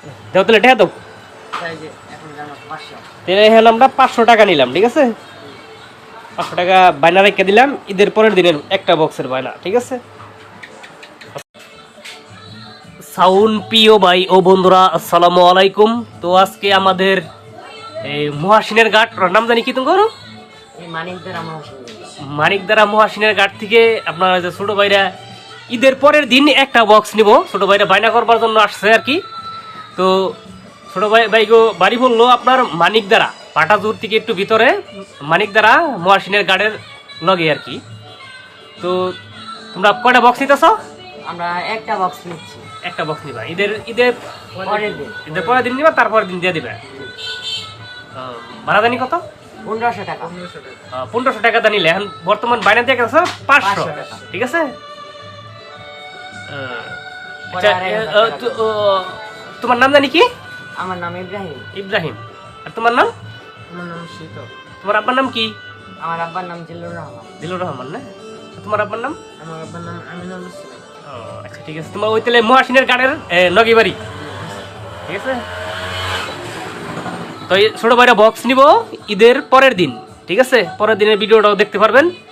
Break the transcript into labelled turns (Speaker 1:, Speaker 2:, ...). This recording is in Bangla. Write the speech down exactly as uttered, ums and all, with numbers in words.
Speaker 1: দাও তাহলে টাকা দাও। তাহলে হলো আমরা পাঁচশো টাকা নিলাম, ঠিক আছে? পাঁচশো টাকা বায়না রেখে দিলাম, ঈদের পরের দিনের একটা বক্সের বায়না, ঠিক আছে? সাউন্ড প্রিয় ভাই ও বন্ধুরা, আসসালামু আলাইকুম। তো আজকে আমাদের এই মহাসিনের ঘাট, নাম জানি কি তোমার? মানিকদারা মহাসিনের ঘাট থেকে আপনার যে ছোট ভাইরা ঈদের পরের দিন একটা বক্স নিব, ছোট ভাইরা বায়না করবার জন্য আসছে আর কি। তো ছোট ভাই ভাইগো বাড়ি বললো আপনার মানিকদারা, পাটাজুর থেকে একটু ভিতরে, মানিকদারা মহাসিনের ঘাটের লগে আর কি। তো তোমরা কয়টা বক্স নিতেছ?
Speaker 2: আমরা একটা বক্স নিচ্ছি।
Speaker 1: একটা বক্স নিবা ঈদের ঈদের
Speaker 2: পরের দিন
Speaker 1: ঈদের পরের দিন নিবা, তারপরের দিন দিয়ে দিবে। ভাড়া জানি কত?
Speaker 2: পনেরোশো টাকা।
Speaker 1: পনেরোশো টাকা দা নিলে এখন বর্তমান বাইনা দিয়ে গেছে পাঁচশো, ঠিক আছে? আচ্ছা, তোমার নাম জানি কি?
Speaker 2: আমার নাম ইব্রাহিম।
Speaker 1: ইব্রাহিম। আর তোমার নাম?
Speaker 2: আমার নাম শীতল।
Speaker 1: তোমার আব্বার নাম কি?
Speaker 2: আমার আব্বার নাম জিল্লুর রহমান।
Speaker 1: জিল্লুর রহমান না? তোমার আব্বার নাম?
Speaker 2: আমার আব্বার নাম আমিনুল ইসলাম।
Speaker 1: ও আচ্ছা, ঠিক আছে। তোমার ওই তাহলে মহাসিনের গাড়ের নগি বাড়ি, ঠিক আছে? তো এই ছোট ভাইরা বক্স নিব ঈদের পরের দিন, ঠিক আছে? পরের দিনের ভিডিওটাও দেখতে পারবেন।